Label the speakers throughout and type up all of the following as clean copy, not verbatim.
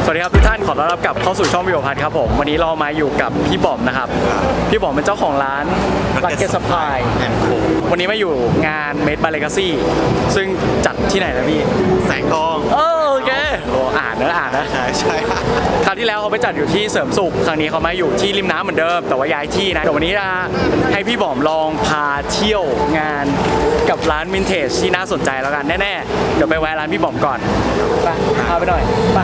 Speaker 1: สวัสดีครับทุกท่านขอต้อนรับกลับเข้าสู่ช่องวิวพัทครับผมวันนี้เรามาอยู่กับพี่บอมนะครับพี่บอมเป็นเจ้าของร้าน Lucky Supply วันนี้มาอยู่งาน Made by Legacy ซึ่งจัดที่ไหนนะพี่
Speaker 2: แสงทอง
Speaker 1: โอเคอ่านนะ
Speaker 2: ใช่
Speaker 1: คราวที่แล้วเขาไปจัดอยู่ที่เสริมสุขครั้งนี้เขามาอยู่ที่ริมน้ำเหมือนเดิมแต่ว่าย้ายที่นะเดี๋ยววันนี้จะให้พี่บอมลองพาเที่ยวงานกับร้านวินเทจที่น่าสนใจแล้วกันแน่ๆเดี๋ยวไปแวะร้านพี่บอมก่อนไปพาไปหน่อยไป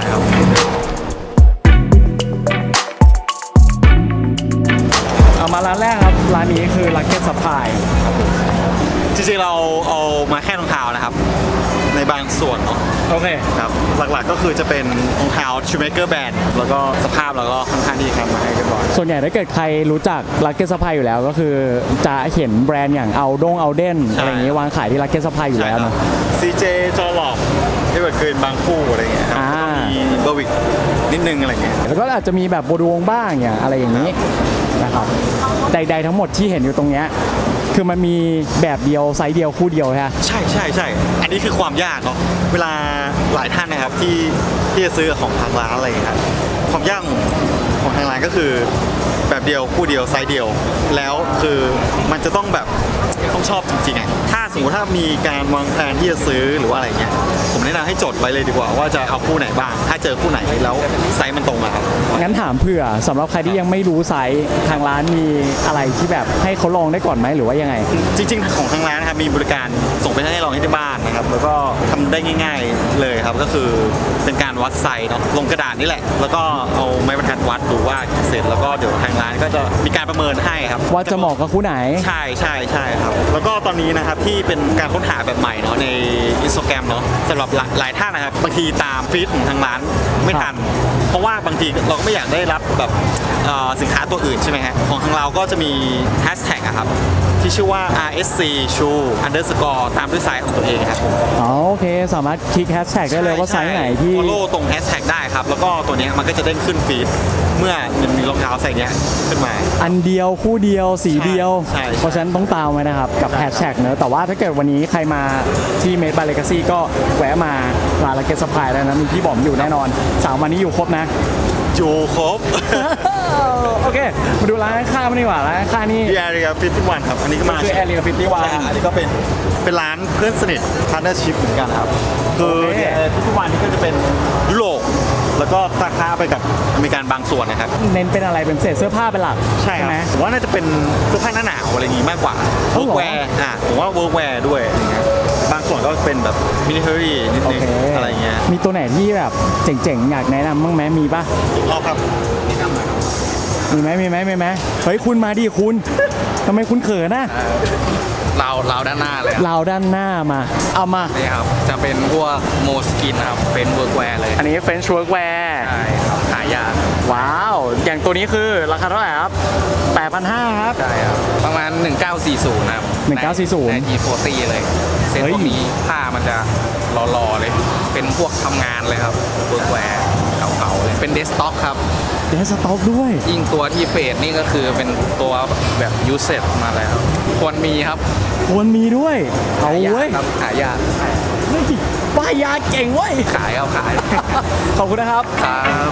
Speaker 1: เอามาร้านแรกครับร้านนี้คือ Lucky Supply
Speaker 2: จริงๆเราเอามาแค่รองเท้านะครับในบางส่วนเนาะ
Speaker 1: โอเค
Speaker 2: ครับหลักๆก็คือจะเป็นรองเท้า Shoemaker Brand แล้วก็สภาพเราก็ค่อนข้างดีครับมาให้เรียบร้อย
Speaker 1: ส่วนใหญ่ถ้าเกิดใครรู้จัก Lucky Supply อยู่แล้วก็คือจะเห็นแบรนด์อย่างเอาเด่นอะไรอย่างงี้วางขายที่ Lucky Supply อยู่แล้วนะ
Speaker 2: CJ จอหลอกที่เกิดบางคู่อะไรเงี้ยครับมีเบอร์วิกนิดนึงอะไรเงี้ย
Speaker 1: แล้วก็อาจจะมีแบบโบดวงบ้างอย่างอะไรอย่างนี้นะครับใดๆทั้งหมดที่เห็นอยู่ตรงเนี้ยคือมันมีแบบเดียวไซส์เดียวคู่เดียวฮะ
Speaker 2: ใช่อันนี้คือความยากเนาะเวลาหลายท่านนะครับที่จะซื้อของทางร้านอะไรครับความยากของทางร้านก็คือแบบเดียวคู่เดียวไซส์เดียวแล้วคือมันจะต้องแบบต้องชอบจริงๆอ่ะถ้าสมมติถ้ามีการวางแผนที่จะซื้อหรือว่าอะไรเงี้ยผมแนะนำให้จดไว้เลยดีกว่าว่าจะเอาคู่ไหนบ้างถ้าเจอคู่ไหนแล้วไซส์มันตรงอะครับ
Speaker 1: งั้นถามเผื่อสำหรับใครที่ยังไม่รู้ไซส์ทางร้านมีอะไรที่แบบให้เขาลองได้ก่อนไหมหรือว่ายังไง
Speaker 2: จริงๆของทางร้านนะครับมีบริการส่งไปให้ลองที่บ้านนะครับแล้วก็ทำได้ง่ายๆเลยครับก็คือเป็นการวัดไซส์เนาะลงกระดาษนี่แหละแล้วก็เอาไม้บรรทัดวัดดูว่าเสร็จแล้วก็เดี๋ยวทางร้านก็จะมีการประเมินให้ครับ
Speaker 1: ว่าจะเหมาะกับคู่ไหน
Speaker 2: ใช่ครับแล้วก็ตอนนี้นะครับที่เป็นการค้นหาแบบใหม่เนาะใน Instagram เนาะสำหรับหลายท่านนะครับบางทีตามฟีดของทางร้านไม่ทันเพราะว่าบางทีเราก็ไม่อยากได้รับแบบสินค้าตัวอื่นใช่ไหมฮะของทางเราก็จะมีแฮชแท็กครับที่ชื่อว่า RSC Shoe Underscore ตามด้วยไซส์ของตัวเองครับ
Speaker 1: โอเคสามารถคลิกแฮชแท็กได้เลยว่าไซส์ไหนที่
Speaker 2: follow ตรงแฮชแท็กได้ครับแล้วก็ตัวนี้มันก็จะเด้งขึ้นฟีดเมื่อมันมีรองเท้าใส่เนี้ยขึ้นมา
Speaker 1: อันเดียวคู่เดียวสีเดียวเพราะฉะนั้นต้องตามไว้นะครับกับแฮชแท็กเนอะแต่ว่าถ้าเกิดวันนี้ใครมาที่ Made by Legacy ก็แวะมาร้าน Lucky Supply แล้วนะมีพี่บอมอยู่แน่นอน3วันนี้อยู่ครบนะ
Speaker 2: อยู่ครบ
Speaker 1: โอเคมาดูร้านข้างๆดีกว่าร้านข้างนี่
Speaker 2: Area 51ครับอันนี้ก็มา
Speaker 1: คือ Area 51
Speaker 2: อันนี้ก็เป็นร้านเพื่อนสนิท Partnership เหมือนกันครับคือ Area 51นี่ก็จะเป็นยุโรปแล้วก็คล้าไปกับอเมริกันบางส่วนนะครับ
Speaker 1: เน้นเป็นอะไรเป็นเศษเสื้อผ้าเป็นหลัก
Speaker 2: ใช่ไหมผมว่าน่าจะเป็นเสื้อผ้าหน้าหนาวอะไรอย่างงี้มากกว่าเวิร์กแวร์ผมว่าเวิร์กแวร์ด้วยบางส่วนก็เป็นแบบมินิเทอรี่นิดนึงอะไรเงี้ย
Speaker 1: มีตัวไหนที่แบบเจ๋งๆอยากแนะนำบ้างไหมมีป่ะ
Speaker 2: ครับ
Speaker 1: มีไหมเฮ้ยคุณมาดิคุณทำไมคุณเขินนะ
Speaker 3: เราด้านหน้าเลย
Speaker 1: เราด้านหน้ามาเอามา
Speaker 3: นี่ครับจะเป็นพวกโมสกินนะครับเป็นเวิร์กแวร์เลย
Speaker 1: อันนี้เป็นเวิร์กแวร์
Speaker 3: ใช่ครับหายาก
Speaker 1: ว้าวอย่างตัวนี้คือราคาเท่าไหร่ครับ 8,500 ครับ
Speaker 3: ใช่ครับประมาณ1940นะครับ
Speaker 1: 1940
Speaker 3: ใน G40 เลยเซ็ตพวกนี้ผ้ามันจะหล่อๆเลยเป็นพวกทำงานเลยครับเวิร์กแวร์เก่าๆเลยเป็นเดสต็อกครับ
Speaker 1: เดสต็อกด้วย
Speaker 3: ยิ่งตัวที่เฟดนี่ก็คือเป็นตัวแบบยูเซตมาแล้วควรมีครับ
Speaker 1: ควรมีด้วยเอาเว้ย
Speaker 3: หายาก
Speaker 1: ป้ายยาเก่งเว้ย
Speaker 3: ขาย
Speaker 1: ขอบคุณนะครับ
Speaker 3: ครับ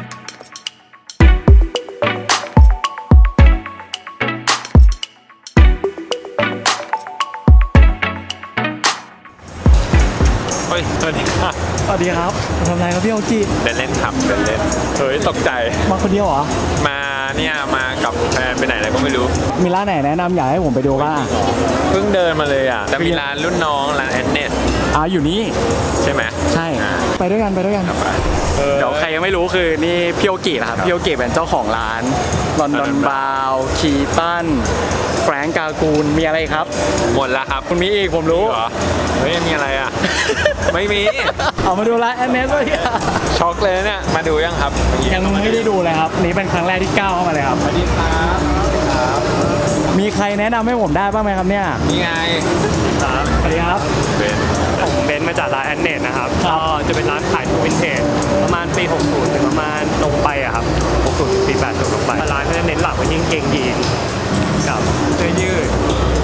Speaker 1: สวัสดีครับทำอะไรครับพี่โอจิ
Speaker 4: เล่นครับเล่นเฮ้ยตกใจ
Speaker 1: มาคนเดียวเหรอ
Speaker 4: มากับแฟนไปไหนอะไรก็ไม่รู้
Speaker 1: มีร้านไหนแนะนำอยากให้ผมไปดูบ้าง
Speaker 4: เพิ่งเดินมาเลยอ่ะแต่มีร้านรุ่นน้องร้านแอนเนส
Speaker 1: อยู่นี่
Speaker 4: ใช่ไหม
Speaker 1: ใช่ไปด้วยกันเดี๋ยวใครยังไม่รู้คือนี่พี่โอจินะครับพี่โอจิเป็นเจ้าของร้านลอนดอนบาวคีตันแฟรงก์กากูลมีอะไรครับ
Speaker 4: หมดแล้วครับ
Speaker 1: คุณมีอีกผมรู้
Speaker 4: เฮ้ยมีอะไรอ่ะไม่มี
Speaker 1: เอามาดูร้านแอนเนสเลย
Speaker 4: ช็อกเลยเนี่ยมาดูยังครับ
Speaker 1: ยังไม่ได้ดูเลยครับนี่เป็นครั้งแรกที่ก้าวเข้ามาเลยครับ
Speaker 4: สวัสดีครับ
Speaker 1: มีใครแนะนำให้ผมได้บ้างไหมครับเนี่ย
Speaker 3: มีไง
Speaker 1: สวัสดีครับ
Speaker 5: ผมเบนมาจากร้านแอนเนตนะครับก็จะเป็นร้านขายวินเทจประมาณปี 60 ถึงประมาณลงไปอะครับ 60 ถึงปี 80 ลงไปร้านก็จะเน้นหลักเป็นยิ่งเกงยีนกับเสื้อยืด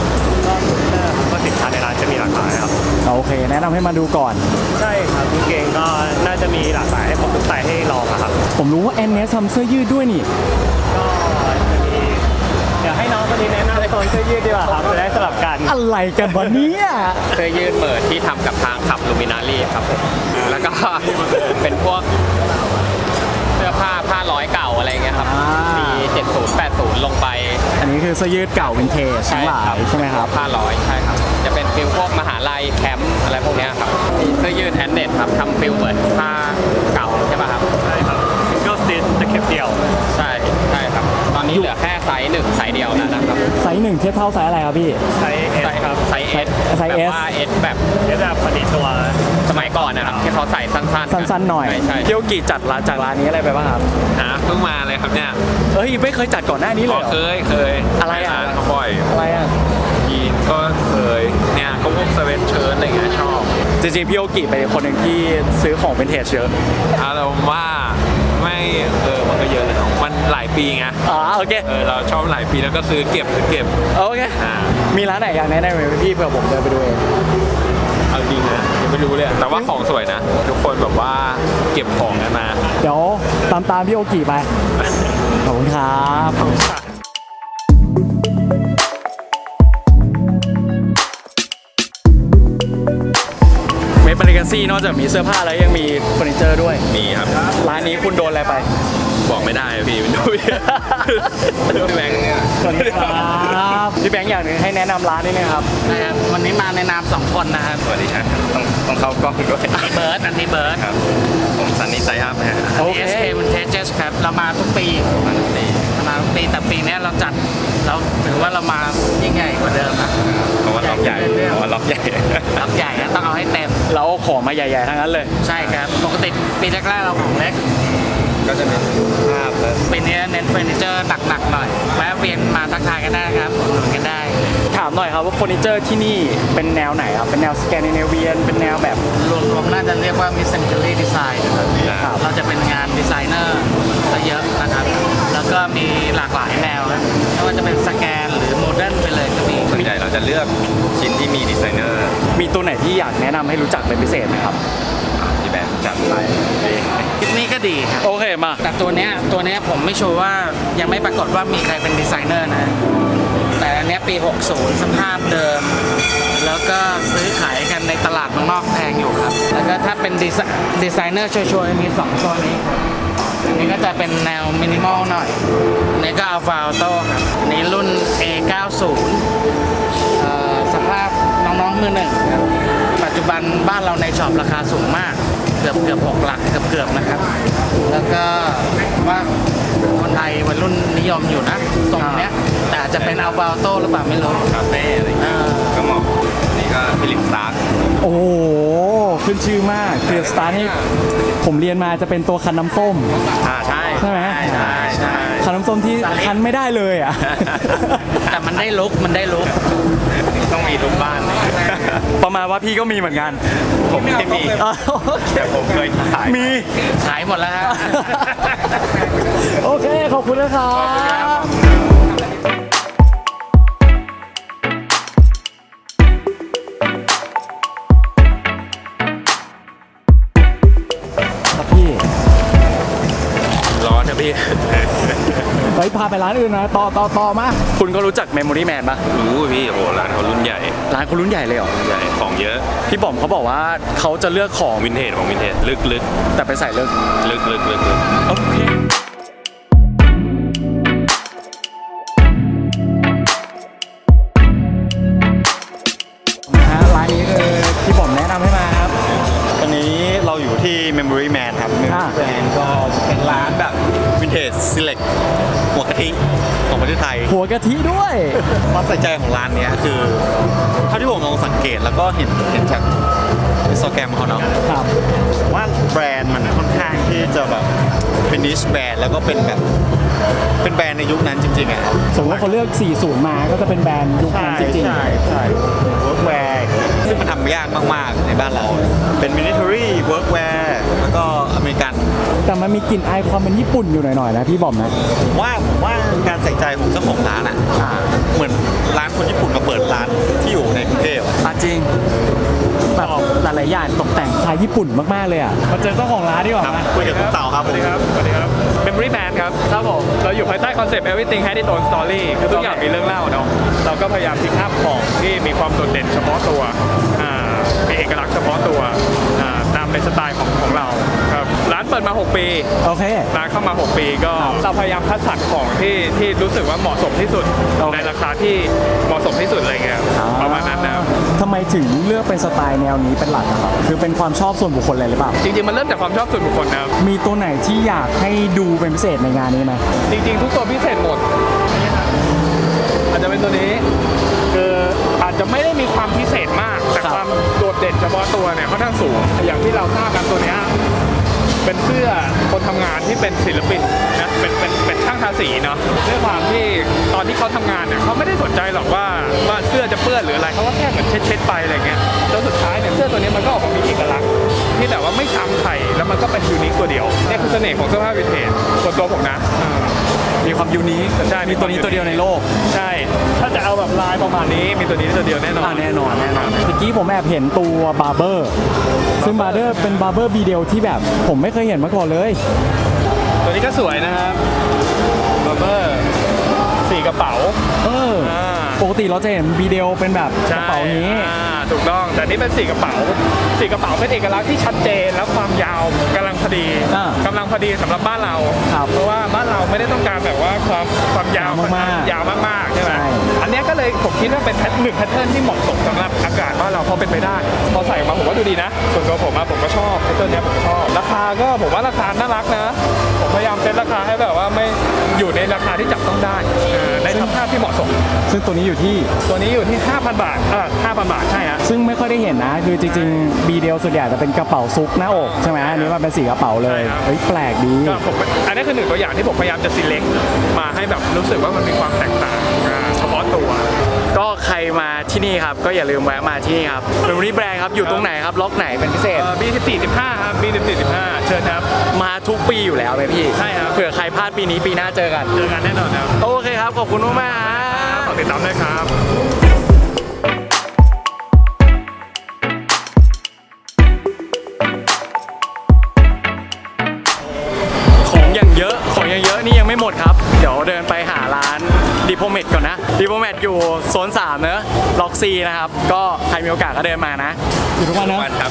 Speaker 5: ก็สกูตเตอร์ครับก็สินค้าในร้านจะมีหลากหลายครับ
Speaker 1: โอเค แนะนำให้มาดูก่อน
Speaker 5: ใช่ครับกางเกงก็น่าจะมีหลากหลายให้ผมทุกไซส์ให้ลองอะครับ
Speaker 1: ผมรู้ว่าแอนเนสทำเสื้อยืดด้วยนี่
Speaker 5: ก็จะมีเดี๋ยวให้น้องคนนี้แนะนำโซนเสื้อยืดดีกว่าครับจะได้สลับกัน
Speaker 1: อะไรกันวะเนี่ย
Speaker 4: เสื้อยืดเปิดที่ทำกับทางขับลูมินารีครับผมแล้วก็ เป็นพวกเสื้อผ้าร้อยเก่าอะไรเงี้ยครับ มี 70 80 ลงไป
Speaker 1: อันนี้คือเสื้อยืดเก่าวินเทจทั้งหลายใช่ไหมครับ
Speaker 4: ผ้าร้อยใช่ครับ จะเป็นฟิลพวกมหาลัยแคมป์อะไรพวกเนี้ยครับมีเสื้อยืดแอนเนตครับทำฟิลเหมือนผ้าเก่าใช่ป่ะครับ
Speaker 5: ใช่ครับซิงเกิลสติชจะเข็บเดี่ยว
Speaker 4: ใช่ครับ ตอนนี้เหลือแค่ไซส์1ไซส์เดียวแล้วนะครับ
Speaker 1: ไซส์หนึ่งเทียบเท่าไซส์อะไรครับพี่
Speaker 5: ไซส์เอสครับ
Speaker 4: ไซส์ S
Speaker 1: ไซส์ S
Speaker 4: แบบว่า S แบบ
Speaker 5: เอสแบบพอดีตัว
Speaker 4: สมัยก่อนนะครับที่เขาใส่สั้นๆ
Speaker 1: สั้นๆหน่อย
Speaker 4: ใช่
Speaker 1: เที่ยวกี่จัดร้านจากร้านนี้อะไรไปบ้างครับ
Speaker 4: เพิ่งมาเลยครับเนี่ย
Speaker 1: เอ้ยไม่เคยจัดก่อนหน้านี้เลยเหรอ
Speaker 4: เคย
Speaker 1: อะไรอ่ะ
Speaker 4: ร้านเขาบ่อย
Speaker 1: อะไรอ่ะ
Speaker 4: ยีนก็เคยเนี่ยก็พวกเซเว่นเชิ้ตอะไรเงี้ยชอบ
Speaker 1: จริงๆพี่โอกิเป็นคนหนึ่งที่ซื้อของเป็นเทจเยอะ
Speaker 4: เราว่าไม่มันก็เยอะเลยเนาะมันหลายปีไง
Speaker 1: โอเค
Speaker 4: เราชอบหลายปีแล้วก็ซื้อเก็บ
Speaker 1: โอเค
Speaker 4: อ่า
Speaker 1: มีร้านไหนอยากแนะนำไหมพี่เผื่อผมเดินไปดูเอง
Speaker 4: เอาจริงนะยังไม่รู้เลยแต่ว่าของสวยนะ ทุกคนแบบว่าเก็บของกันมา
Speaker 1: เดี๋ยวตามพี่โอกิไป ขอบคุณครับ เมดบาริกาซี่นอกจากมีเสื้อผ้าแล้วยังมีเฟอร์นิเจอร์ด้วย
Speaker 4: มีครับ
Speaker 1: ร้านนี้คุณโดนอะไรไป
Speaker 4: บอกไม่ได้อะพี่มันดูพี่แบงค์เนี่ย
Speaker 1: สวัสดีครับพี่แบงค์อย่างหนึ่งให้แนะนำร้านนิดนึงครับ
Speaker 3: นะครับวันนี้มาในนาม2 คนนะครับ
Speaker 4: สวัสดีครับต้องเข้ากล้องด้วย
Speaker 3: เบิร์ดอันนี้เบิร์ด
Speaker 4: ครับผมซันนี่ไซอัพนะฮะ
Speaker 1: โอเค
Speaker 3: SK Vintages ครับเรามาทุกปีมาทุกปีแต่ปีเนี้ยเราจัดเราถือว่าเรามายิ่งใหญ่กว่าเดิมนะ
Speaker 4: เพราะว่าล็อกใหญ่เพราะว่าล็อกใหญ่
Speaker 3: รับใหญ่นะต้องเอาให้เต็ม
Speaker 1: เราเอาของมาใหญ่ๆทั้งนั้นเลย
Speaker 3: ใช่ครับปกติปีแรกๆเราของเล็ก
Speaker 4: ก็จะเป็นภาพและ
Speaker 3: ปีนี้เน้นเฟอร์นิเจอร์หนักๆหน่อยแวะเวียนมาทักทายกันได้นะครับอุดหนุนกันได้
Speaker 1: ถามหน่อยครับว่าเฟอร์นิเจอร์ที่นี่เป็นแนวไหนครับ เป็นแนวสแกนดิเนเวียน เป็นแนวแบบ
Speaker 3: รวมๆน่าจะเรียกว่า mid century design นะครับเราจะเป็นงานดีไซเนอร์ซะเยอะนะครับ แล้วก็มีหลากหลายแนวครับไม่ว่าจะเป็นสแกนหรือโมเดิร์นไปเลยก็มี
Speaker 4: ส่วนใหญ่เราจะเลือกชิ้นที่มีดีไซเนอร์
Speaker 1: มีตัวไหนที่อยากแนะนำให้รู้จักเป็นพิเศษไหมครับ
Speaker 4: ที่แบบจัดไป
Speaker 3: คิดนี้ก็ดีครับ
Speaker 1: โอเคมา
Speaker 3: แต่ตัวเนี้ยผมไม่ชัวร์ว่ายังไม่ปรากฏว่ามีใครเป็นดีไซเนอร์นะ แต่อันเนี้ยปี 60 สภาพเดิม แล้วก็ซื้อขายกันในตลาดเมืองนอกแพงอยู่ครับ แล้วก็ถ้าเป็นดีไซเนอร์ชัวร์ๆมี2ตัวนี้ครับอันนี้ก็จะเป็นแนวมินิมอลหน่อยอันนี้ก็อัลฟาออโต้ครับอันนี้รุ่น A90 สภาพน้องๆมือหนึ่งครับปัจจุบันบ้านเราในช็อปราคาสูงมาก เกือบ6 หลักเกือบนะครับ แล้วก็ว่าคนไทยวัยรุ่นนิยมอยู่นะทรงเนี้ย แต่อาจจะเป็นอัลฟาออโต้หรือเปล่าไม่รู้
Speaker 4: คาเฟ่อะไรอย่างเงี้ยก็เหมาะอันนี้ก็ฟิลิปสตาร์
Speaker 1: โอ้โห ขึ้นชื่อมากคือสตาร์นี่ผมเรียนมาจะเป็นตัวคันน้ำส้ม
Speaker 4: ใช่
Speaker 1: ใช่ไหม
Speaker 3: ใช่
Speaker 1: คันน้ำส้มที่คันไม่ได้เลยอ่ะ
Speaker 3: แต่มันได้ลุก
Speaker 4: ต้องมีทุกบ้านเลย
Speaker 1: ประมาณว่าพี่ก็มีเหมือนกัน
Speaker 4: ผมไม่มี แต่ผมเคยขาย
Speaker 1: มี
Speaker 3: ขายหมดแล้วฮะ
Speaker 1: โอเค ขอบคุณนะครับ ครับพี่
Speaker 4: ร้อนนะพี่
Speaker 1: ไปพาไปร้านอื่นนะต่อมา คุณก็รู้จัก Memory Man ปะ
Speaker 4: รู้พี่โอ้โหร้านเขารุ่นใหญ่
Speaker 1: ร้านคุณรุ่นใหญ่เลยเหรอ
Speaker 4: ใหญ่ของเยอะ
Speaker 1: พี่บอมเขาบอกว่าเขาจะเลือกของ
Speaker 4: วินเทจของวินเทจลึก
Speaker 1: แต่ไปใส่เลือก
Speaker 4: ๆ
Speaker 1: โอเคนะฮะร้านนี้คือพี่บอมแนะนำให้มาครับ
Speaker 2: ตอนนี้เราอยู่ที่ Memory Man ครับ Memory Man ก็เป็นร้านแบบวินเทจ select หัวกะทิของประเทศไทย
Speaker 1: หัวกะทิด้วย
Speaker 2: ความใส่ใจของร้านเนี้ยคือเท่าที่ผมลองสังเกตแล้วก็เห็นจากอินสตาแกรมเขาเนาะ
Speaker 1: ครับ
Speaker 2: ว่าแบรนด์มันค่อนข้างที่จะแบบเป็นนิชแบรนด์แล้วก็เป็นแบบเป็นแบรนด์ในยุคนั้นจริงๆอ่ะ
Speaker 1: สมมติว่าเขาเลือก 40 มาก็จะเป็นแบรนด์ยุคนั้นจริง
Speaker 2: ใช่เวิร์กแวร์ซึ่งมันทำยากมากๆในบ้านเรา เป็นมินิทอรี่เวิร์กแวร์แล้วก็อเมริกัน
Speaker 1: ๆ แต่แต่มันมีกลิ่นอายความเป็นญี่ปุ่นอยู่หน่อยๆนะพี่บอมนะ
Speaker 2: ผมว่าการใส่ใจของเจ้าของร้านอ่ะเหมือนร้านคนญี่ปุ่นมาเปิดร้านที่อยู่ในกรุงเทพ
Speaker 1: จริงแบบหลายๆอย่างตกแต่งคล้ายญี่ปุ่นมากๆเลยอ่ะมาเจอเจ้าของร้านดีกว่า
Speaker 2: ครับ
Speaker 1: นะ
Speaker 2: คุยกับคุณเต่าครับผม
Speaker 5: สวัสดีครับ Memory Man ครับ
Speaker 1: ครับผม
Speaker 5: เราอยู่ภายใต้คอนเซปต์ Everything Has its own story คือทุกอย่างมีเรื่องเล่าเนาะ เราก็พยายามพิกอัพของที่มีความโดดเด่นเฉพาะตัวมีเอกลักษณ์เฉพาะตัวตามในสไตล์ของเราครับร้านเปิดมา 6 ปี
Speaker 1: โอเค
Speaker 5: ร้านเข้ามา 6 ปีก็
Speaker 1: ครับ
Speaker 5: เราพยายามคัดสรรของที่รู้สึกว่าเหมาะสมที่สุด
Speaker 1: โอเค
Speaker 5: ในราคาที่เหมาะสมที่สุดอะไรเงี้ยประมาณนั้นนะครับ
Speaker 1: ทำไมถึงเลือกเป็นสไตล์แนวนี้เป็นหลักอะครับคือเป็นความชอบส่วนบุคคลเลยหรือเปล่า
Speaker 5: จริงๆมันเริ่มจากความชอบส่วนบุคคลนะครับ
Speaker 1: มีตัวไหนที่อยากให้ดูเป็นพิเศษในงานนี้ไหม
Speaker 5: จริงๆ ทุกตัวพิเศษหมดอาจจะเป็นตัวนี้คืออาจจะไม่ได้มีความพิเศษมาก แต่
Speaker 1: ครับ
Speaker 5: ความโดดเด่นเฉพาะตัวเนี่ยค่อนข้างสูง อย่างที่เราทราบกันตัวเนี้ยเป็นเสื้อคนทำงานที่เป็นศิลปินนะเป็นช่างทาสีเนาะด้วยความที่ตอนที่เขาทำงานเนี่ยเขาไม่ได้สนใจหรอกว่าเสื้อจะเปื้อนหรืออะไรเขาก็แค่เหมือนเช็ดๆไปอะไรเงี้ยจนสุดท้ายเนี่ยเสื้อตัวนี้มันก็ออกมามีเอกลักษณ์ที่แบบว่าไม่ซ้ำใครแล้วมันก็เป็นยูนิคตัวเดียวนี่คือเสน่ห์ของเสื้อผ้าวินเทจส่วนตัวผมนะ
Speaker 1: มีความยูนิค
Speaker 5: ใช่
Speaker 1: มีตัวนี้ตัวเดียวในโลก
Speaker 5: ใช่ ถ้าจะเอาแบบลายประมาณนี้ มีตัวนี้ตัวเดียวแน่นอน
Speaker 1: แน่นอนเมื่อกี้ผมแอบเห็นตัวบาร์เบอร์ซึ่งบาร์เบอร์เป็นบาร์เบอร์บีเดลที่แบบผมไม่เคยเห็นมาก่อนเลย
Speaker 5: ตัวนี้ก็สวยนะครับบัมเบอร์สี่กระเป๋า อ่า
Speaker 1: ปกติเราจะเห็นบีเดลเป็นแบบกระเป๋านี้
Speaker 5: ถูกต้อง แต่นี่เป็นสี่กระเป๋าสี่กระเป๋าเป็นเอกลักษณ์ที่ชัดเจนแล้วความยาวกำลังพอดี กำลังพอดีสำหรับบ้านเรา
Speaker 1: ครับ
Speaker 5: เพราะว่าบ้านเราไม่ได้ต้องการแบบว่าความยาว
Speaker 1: มากๆ
Speaker 5: ยาวมากๆใช่ไหม
Speaker 1: ใช่
Speaker 5: อันเนี้ยก็เลยผมคิดว่าเป็นหนึ่งแพทเทิร์นที่เหมาะสมสำหรับอากาศบ้านเราพอเป็นไปได้ พอใส่ออกมาผมว่าดูดีนะ ส่วนตัวผมผมก็ชอบแพทเทิร์นเนี้ยผมชอบ ราคาก็ผมว่าราคาน่ารักนะ ผมพยายามเซ็ตราคาให้แบบว่าไม่อยู่ในราคาที่จับต้องได้ในสภาพที่เหมาะสม
Speaker 1: ซึ่งตัวนี้อยู่ที่
Speaker 5: ตัวนี้อยู่ที่ 5,000 บาท5,000 บาทใช่ฮะ
Speaker 1: ซึ่งไม่ค่อยได้เห็นนะ คือจริงๆบีเดลส่วนใหญ่จะเป็นกระเป๋าซุกหน้าอกใช่ไหมอันนี้มันเป็นสีกระเป๋าเลย
Speaker 5: ใช่ครับ
Speaker 1: เฮ้ยแปลกดี
Speaker 5: ก็ผมอันนี้คือหนึ่งตัวอย่างที่ผมพยายามจะ select มาให้แบบรู้สึกว่ามันมีความแตกต่างเฉพาะตัว
Speaker 1: ก็ใครมาที่นี่ครับก็อย่าลืมแวะมาที่นี่ครับเป็นวันนี้แบรนด์ครับอยู่ตรงไหนครับล็อกไหนเป็นพิเศษ
Speaker 5: B14-15 ครับ B14-15 เชิญครับ
Speaker 1: มาทุกปีอยู่แล้วไหมพี่
Speaker 5: ใช่ครับ
Speaker 1: เผื่อใครพลาดปีนี้ปีหน้าเจอกัน
Speaker 5: เจอกันแน่นอนครับ
Speaker 1: โอเคครับขอบคุณมากๆฮะ
Speaker 5: ฝากติดตามด้วยครับ
Speaker 1: ของอย่างเยอะนี่ยังไม่หมดครับ เดี๋ยวเดินไปหาร้านดิโพเมตก่อนนะดิโพเมตอยู่โซน3เนอะล็อกซีนะครับก็ใครมีโอกาสก็เดินมานะอยู่ทุกวันนะ
Speaker 6: วันครับ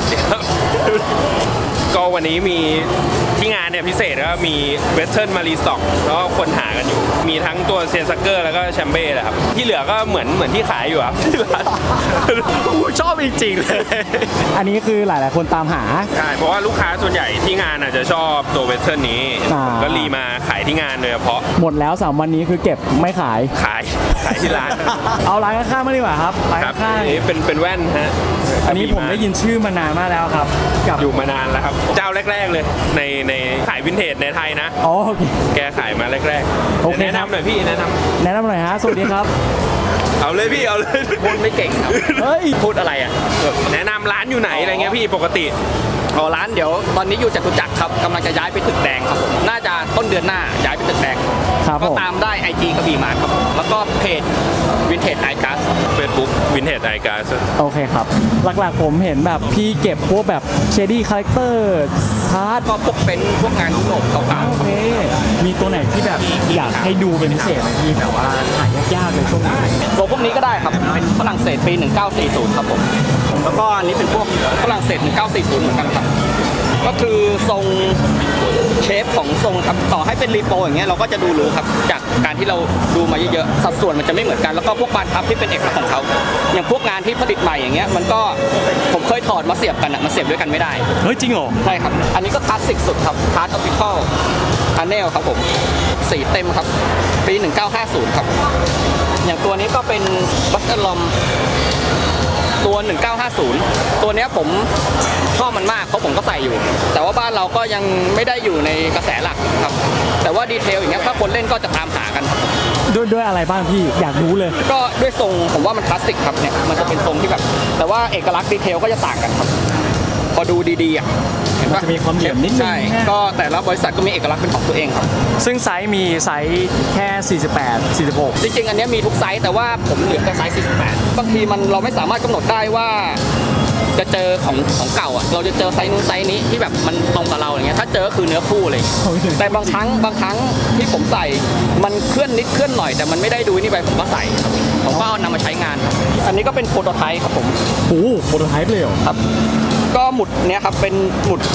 Speaker 6: ก็วันนี้มีที่งานเนี่ยพิเศษก็มีเวสเทิร์นมารีสต็อกแล้วก็คนหากันอยู่ มีทั้งตัวเซนซักเกอร์แล้วก็แชมเบ้นะครับ ที่เหลือก็เหมือนที่ขายอยู่ครับที่ร้าน
Speaker 1: ชอบจริงๆเลย อันนี้คือหลายๆคนตามหา
Speaker 6: ใช่เพราะว่าลูกค้าส่วนใหญ่ที่งานอาจจะชอบตัวเวสเทิร์นนี้
Speaker 1: อ่า
Speaker 6: ก็รีมาขายที่งานโดยเฉพาะ
Speaker 1: หมดแล้ว3วันนี้คือเก็บไม่ขาย
Speaker 6: ขายที่ร้าน
Speaker 1: เอาร้านข้างๆมาดีกว่าครับร้าน
Speaker 6: ครับ
Speaker 1: ข้าง
Speaker 6: อันนี้เป็นแว่นฮะ
Speaker 1: ๆอันนี้ผมได้ยินชื่อมานานมากแล้วครับกับ
Speaker 6: อยู่มานานแล้วครับ เจ้าแรก ๆเลยในขายวินเทจในไทยนะ
Speaker 1: อ๋อโอเค
Speaker 6: แกขายมาแรก
Speaker 1: โอเค
Speaker 6: แนะนำหน่อยพี่แนะนำ
Speaker 1: แนะนำหน่อยฮะสวัสดีครับ
Speaker 6: เอาเลยพี่เอาเลย
Speaker 4: พูดไม่เก่งครับ
Speaker 1: เฮ้ย
Speaker 4: พูดอะไรอ่ะ
Speaker 6: แนะนำร้านอยู่ไหนอะไรเงี้ยพี่ปกติ
Speaker 4: ร้านเดี๋ยวตอนนี้อยู่จตุจักรครับกำลังจะย้ายไปตึกแดงครับผมน่าจะต้นเดือนหน้าย้ายไปตึกแดง
Speaker 1: ครับ
Speaker 4: ก็
Speaker 1: ผม
Speaker 4: ตามได้ IG กระบี่มาร์ทครับผมแล้วก็เพจวินเทจไอคัส
Speaker 6: Facebook Vintage i g a s
Speaker 1: โอเคครับ หลักๆผมเห็นแบบพี่เก็บพวกแบบเชดี้คาแรคเตอร์พาร์ท
Speaker 4: ก็พวกเป็นพวกงานยุโรปเก่า
Speaker 1: โอเค มีตัวไหนที่แบบอยากให้ดูเป็นพิเศษไหมพี่แบบว่าหายากๆเลยช่วงนี้
Speaker 4: ๆตัวพวกนี้ก็ได้ครับเป็นฝรั่งเศสปี 1940 ครับผมแล้วก็อันนี้เป็นพวกฝรั่งเศส 1940 เหมือนกันครับก็คือทรงเชฟของทรงครับต่อให้เป็นรีโปรอย่างเงี้ยเราก็จะดูรู้ครับจากการที่เราดูมาเยอะๆสัดส่วนมันจะไม่เหมือนกันแล้วก็พวกบานพับที่เป็นเอกลักษณ์ของเขาอย่างพวกงานที่ผลิตใหม่อย่างเงี้ยมันก็ผมเคยถอดมาเสียบกันอะมันเสียบด้วยกันไม่ได้
Speaker 1: เฮ้ยจริงเหรอ
Speaker 4: ใช่ครับอันนี้ก็คลาสสิกสุดครับคลาสออปติคอลพาเนลครับผมสีเต็มครับปี 1950 ครับอย่างตัวนี้ก็เป็นบัสเตอร์ลอมตัว 1950 ตัวเนี้ยผมชอบมันมากเพราะผมก็ใส่อยู่ แต่ว่าบ้านเราก็ยังไม่ได้อยู่ในกระแสหลักครับ แต่ว่าดีเทลอย่างเงี้ยถ้าคนเล่นก็จะตามหากันครับ
Speaker 1: ด้วยอะไรบ้างพี่อยากรู้เลย
Speaker 4: ก็ด้วยทรงผมว่ามันคลาสสิกครับเนี่ยมันจะเป็นทรงที่แบบ แต่ว่าเอกลักษณ์ดีเทลก็จะต่างกันครับ พอดูดีๆอ่ะห็นปะ
Speaker 1: มันจะมีความเหลี่ยมนิดนึง
Speaker 4: ใช่
Speaker 1: นะ
Speaker 4: ก็แต่ละบริษัทก็มีเอกลักษณ์เป็นของตัวเองครับ
Speaker 1: ซึ่งไซส์มีไซส์แค่ 48 46
Speaker 4: จริงๆ อันเนี้ยมีทุกไซส์แต่ว่าผมเหลือแต่ไซส์ 48 บางทีเราไม่สามารถกำหนดได้ว่าจะเจอของเก่าอ่ะเราจะเจอไซส์นู้นไซส์นี้ที่แบบมันตรงกับเราอย่างเงี้ยถ้าเจอก็คือเนื้อคู่เลย แต่บางครั้งที่ผมใส่มันเคลื่อนนิดเคลื่อนหน่อยแต่มันไม่ได้ดูนี่ไปผมก็ใส่ครับผมก็เอานำมาใช้งานครับอันนี้ก็เป็นโปรโตไทป์ครับผม
Speaker 1: โอ้โหโปรโตไทป์เลยเหรอ
Speaker 4: ครับก็หมุดเนี้ยครับเป็นหมุด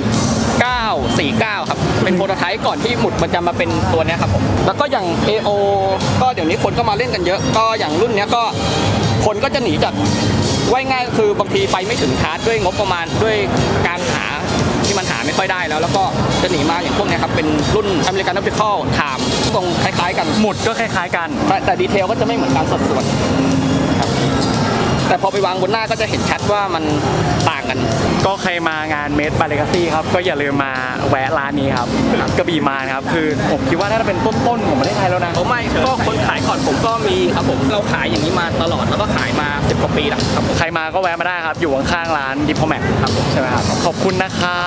Speaker 4: 1949 ครับเป็นโปรโตไทป์ก่อนที่หมุดมันจะมาเป็นตัวเนี้ยครับผมแล้วก็อย่าง AO ก็เดี๋ยวนี้คนก็มาเล่นกันเยอะ ก็อย่างรุ่นเนี้ยก็คนก็จะหนีจากว่ายง่ายคือบางทีไปไม่ถึงคาร์ดด้วยงบประมาณด้วยการหาที่มันหาไม่ค่อยได้แล้วก็จะหนีมาอย่างพวกเนี้ยครับเป็นรุ่น American Optical Time ทรงคล้ายๆกัน
Speaker 1: หมุดก็คล้ายๆกัน
Speaker 4: แต่ดีเทลก็จะไม่เหมือนกันสัดส่วนครับแต่พอไปวางบนหน้าก็จะเห็นชัดว่ามันต่างกัน
Speaker 1: ก็ใครมางานเมดบาเลกาซี่ครับก็อย่าลืมมาแวะร้านนี้ครับกระบี่มานครับคือผมคิดว่าน่าจะเป็นต้นๆของประเทศไทยแล้วนะ
Speaker 4: ผมไม่ก็คนขายก่อนผมก็มีครับผมเราขายอย่างนี้มาตลอดแล้วก็ขายมา10 กว่าปีแล้วครับผม
Speaker 1: ใครมาก็แวะมาได้ครับ อยู่ข้างๆร้านดิพอแมทครับผมใช่ไหมครับ ขอบคุณนะครับ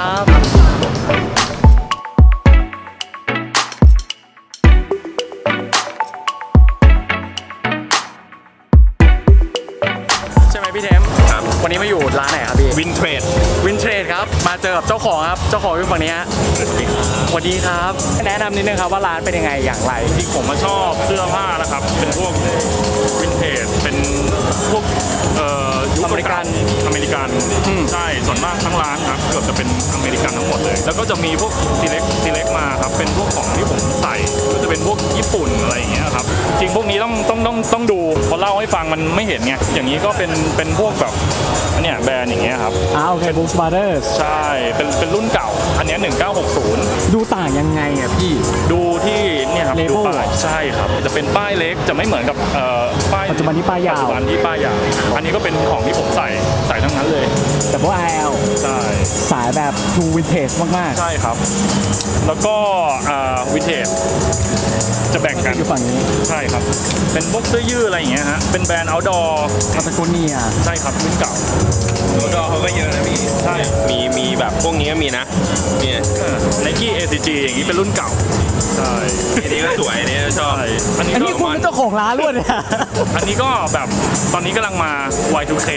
Speaker 1: ใช่ไหมพี่เทม
Speaker 6: ครับ
Speaker 1: วันนี้มาอยู่ร้านไหนครับพี่
Speaker 6: วินเทรด
Speaker 1: วินเทรดครับ มาเจอกับเจ้าของครับ เจ้าของอยู่ฝั่งนี้ฮะสวัสดีครับ แนะนำนิดนึงครับว่าร้านเป็นยังไงอย่างไร
Speaker 7: จริงผมมาชอบเสื้อผ้านะครับ เป็นพวกวินเทจ เป็นพวกยุค
Speaker 1: อเมริกัน
Speaker 7: อเมริกัน ใช่ ส่วนมากทั้งร้านครับเกือบจะเป็นอเมริกันทั้งหมดเลย แล้วก็จะมีพวกซีเล็กมาครับ เป็นพวกของที่ผมใส่ ก็จะเป็นพวกญี่ปุ่นอะไรอย่างเงี้ยครับ จริงพวกนี้ต้องดูพอเล่าให้ฟังมันไม่เห็นไง อย่างนี้ก็เป็นพวกแบบอันเนี้ยแบรนด์อย่างเงี้ยครับ
Speaker 1: โอเคบุ๊กสปาร์เดอร์
Speaker 7: ใช่ เป็นรุ่นเก่า อันเนี้ย1960
Speaker 1: ดูต่างยังไงอ่ะพี่
Speaker 7: ดูที่เนี่ยครับ
Speaker 1: Label
Speaker 7: ดูป้ายใช่ครับจะเป็นป้ายเล็กจะไม่เหมือนกับป้าย
Speaker 1: ปัจจุบันที่ป้ายยาว
Speaker 7: ปัจจุบันที่ป้ายยาวอันนี้ก็เป็นของที่ผมใส่ทั้งนั้นเลย
Speaker 1: แต่พวก IL
Speaker 7: ใช่
Speaker 1: สายแบบ True Vintage มาก
Speaker 7: ใช่ครับ แล้วก็วิเทจจะแบ่ง
Speaker 1: ๆ
Speaker 7: กัน
Speaker 1: อยู่ฝั่งนี้
Speaker 7: ใช่ครับ เป็นพวกเสื้อยืดอะไรอย่างเงี้ยฮะเป็นแบรนด์ outdoor
Speaker 1: พาตาโกเนีย
Speaker 7: ใช่ครับรุ่นเก่า
Speaker 6: ดอเขาก็เยอะนะพี่
Speaker 7: ใช่
Speaker 6: มีแบบพวกนี้ก็มีนะเนี่ย
Speaker 7: Nike ACG อย่างนี้เป็นรุ่นเก่าใช่
Speaker 6: อันนี้ก็สวยอันนี้ก็ชอบ
Speaker 7: ใช่อันนี้
Speaker 1: อัน
Speaker 7: ก็
Speaker 1: นี้คุณเป็นเจ้าของร้านล้วนเนี่ย
Speaker 7: อันนี้ก็แบบตอนนี้กำลังมา Y2K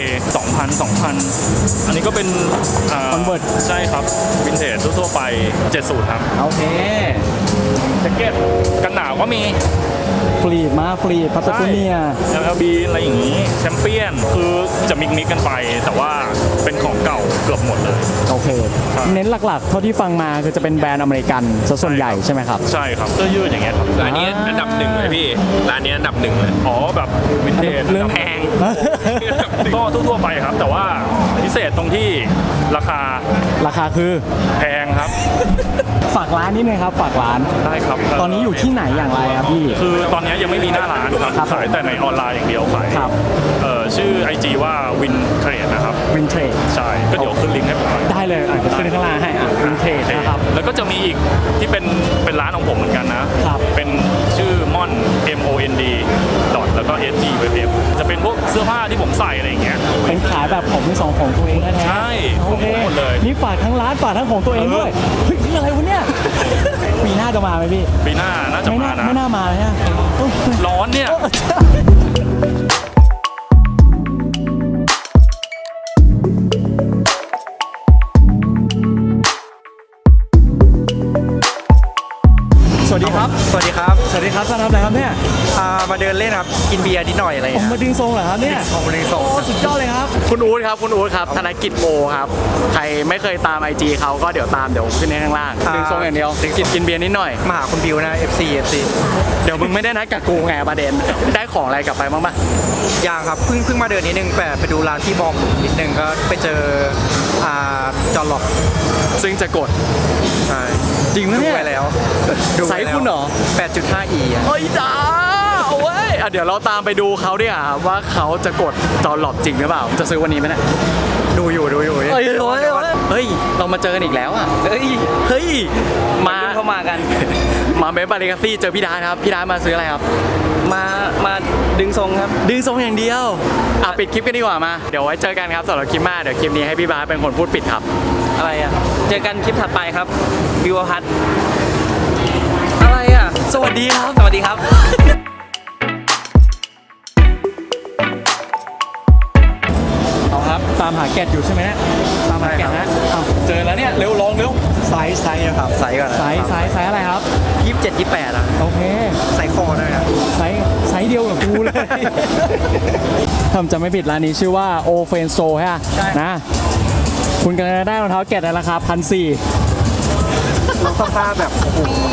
Speaker 7: 2,000 อันนี้ก็เป็น
Speaker 1: Convert
Speaker 7: ใช่ครับวินเทจทั่วๆไป70ครับ
Speaker 1: โอเค
Speaker 7: แจ็คเก็ตกันหนาวก็มี
Speaker 1: ฟรีดมาฟรีดพาตาโกเนีย
Speaker 7: ใช่ LLB อะไรอย่างนี้แชมเปี้ยนคือจะมิกกันไป แต่ว่าเป็นของเก่าเกือบหมดเลย
Speaker 1: โอเค
Speaker 7: ครับ
Speaker 1: เน้นหลักๆ เท่าที่ฟังมาคือจะเป็นแบรนด์อเมริกันซะส่วนใหญ่ใช่ไหมครับ
Speaker 7: ใช่ครับเสื้อยืดอย่างเงี้ยครับ
Speaker 6: ร้านนี้อันดับหนึ่งเลยพี่ ร้านนี้อันดับหนึ่งเลย
Speaker 7: อ๋อแบบวินเทจ
Speaker 1: เรื่อง
Speaker 7: แพง ก็ทั่วๆไปครับ แต่ว่าพิเศษตรงที่ราคา
Speaker 1: ราคาคือ
Speaker 7: แพงครับ
Speaker 1: ฝากร้านนิดนึงครับ ฝากร้าน
Speaker 7: ได้ครับ
Speaker 1: ตอนนี้อยู่ที่ไหนอย่างไรครับพี่
Speaker 7: คือตอนนี้ยังไม่มีหน้าร้านครับ
Speaker 1: ครับ
Speaker 7: ขายแต่ในออนไลน์อย่างเดียวขาย
Speaker 1: ครับ
Speaker 7: ชื่อ IG ว่า Win Trade นะครับ
Speaker 1: วินเทจ
Speaker 7: ใช่ ก็เดี๋ยวขึ้นลิงก์ให้ผมหน่อย
Speaker 1: ได้เลยเดี๋ยวขึ้นข้างล่างให้วินเทจนะครับ
Speaker 7: แล้วก็จะมีอีกที่เป็นร้านของผมเหมือนกันนะ
Speaker 1: ครับ
Speaker 7: เป็นชื่อ mon MOND แล้วก็ SG WF จะเป็นพวกเสื้อผ้าที่ผมใส่อะไรอย่างเงี้ย
Speaker 1: เป็นขายแบบของมือสองของตัวเองแท้ๆ
Speaker 7: ใช่
Speaker 1: โอเค
Speaker 7: ของผมหมดเลย
Speaker 1: นี่ฝากทั้งร้านฝากทั้งของตัวเองด้วย เฮ้ยคืออะไรวะเนี่ย ปีหน้าจะมาไหมพี่
Speaker 7: ปีหน้าน่าจะ
Speaker 1: ไม่
Speaker 7: มา
Speaker 1: น่า
Speaker 7: นะ
Speaker 1: ไม่น่ามาเลยฮะ
Speaker 7: ร้อนเนี่ย
Speaker 1: สวัสดีครับ
Speaker 2: สวัสดีครับ
Speaker 1: สวัสดีครับท่านทำอะไรครับเนี่ย
Speaker 2: มาเดินเล่นครับ กินเบียร์นิดหน่อยอะไร
Speaker 1: ผมมาดึงทรงเหรอครับเนี่ย
Speaker 2: ของมาดึงส่ง
Speaker 1: โอ้สุดยอดเลยครับ คุณอู๊ดครับ คุณอู๊ดครับ ธนกิจโมครับ ใครไม่เคยตาม IG เขาก็เดี๋ยวตามเดี๋ยวขึ้นให้ข้างล่าง ดึงทรงอย่างเดียวกินเบียร์นิดหน่อย
Speaker 2: มาหาคุณบิวนะ FC
Speaker 1: เดี๋ยวมึงไม่ได้นัดกับกูไงประเด็น ได้ของอะไรกลับไปบ้างปะ
Speaker 2: ยังครับเพิ่งมาเดินนิดนึงแต่ไปดูร้านที่บอมนิดนึงก็ไปเจอจอร์ล็อก
Speaker 1: ซึ่งจะกด
Speaker 2: ใช่
Speaker 1: จริงไหม
Speaker 2: ดู
Speaker 1: เนี่ย
Speaker 2: ไปแล้วดู
Speaker 1: ไซส์คุณเหรอ
Speaker 2: 8.5e อะ
Speaker 1: เฮ้ยจ้าเอาเว้ยเดี๋ยวเราตามไปดูเขาดิอ่ะว่าเขาจะกดจอหลอบจริงหรือเปล่า จะซื้อวันนี้ไหมเนี่ย
Speaker 2: ดูอยู่
Speaker 1: เฮ้ยเรามาเจอกันอีกแล้วอ่ะ เฮ้ย มาเข้ามากัน มาเมบาริกาซี่เจอพี่ดาครับ พี่ดามาซื้ออะไรครับ
Speaker 4: มาดึงทรงครับ
Speaker 1: ดึงทรงอย่างเดียว ปิดคลิปกันดีกว่ามา เดี๋ยวไว้เจอกันครับสำหรับคลิปหน้าเดี๋ยวคลิปนี้ให้พี่บาสเป็นคนพูดปิดครับ
Speaker 4: อะไรอ่ะเจอกันคลิปถัดไปครับวิวพัท
Speaker 1: อะไรอ่ะ สวัสดีครับ
Speaker 4: สวัสดีครับ
Speaker 1: เอาครับ ตามหาแกะอยู่ใช่ไหมเนี่ยตามหาแกะนะเอาเจอแล้วเนี่ย เร็วลองเร็ว
Speaker 2: ไซส์นะครับไซส์ก่อนนะ
Speaker 1: ไซส์อะไรครับ
Speaker 2: 27 28อ่ะ
Speaker 1: โอเค
Speaker 2: ไซส์คอด้วยครับ
Speaker 1: ไซส์เดียวกับกูเลย ถ้าผมจำไม่ผิดร้านนี้ชื่อว่าโอเฟนโซใช่ไหม
Speaker 2: ใช่
Speaker 1: นะ คุณกำลังได้รองเท้าแกะในราคา1,400
Speaker 2: รองเท้าแบบโอ้โห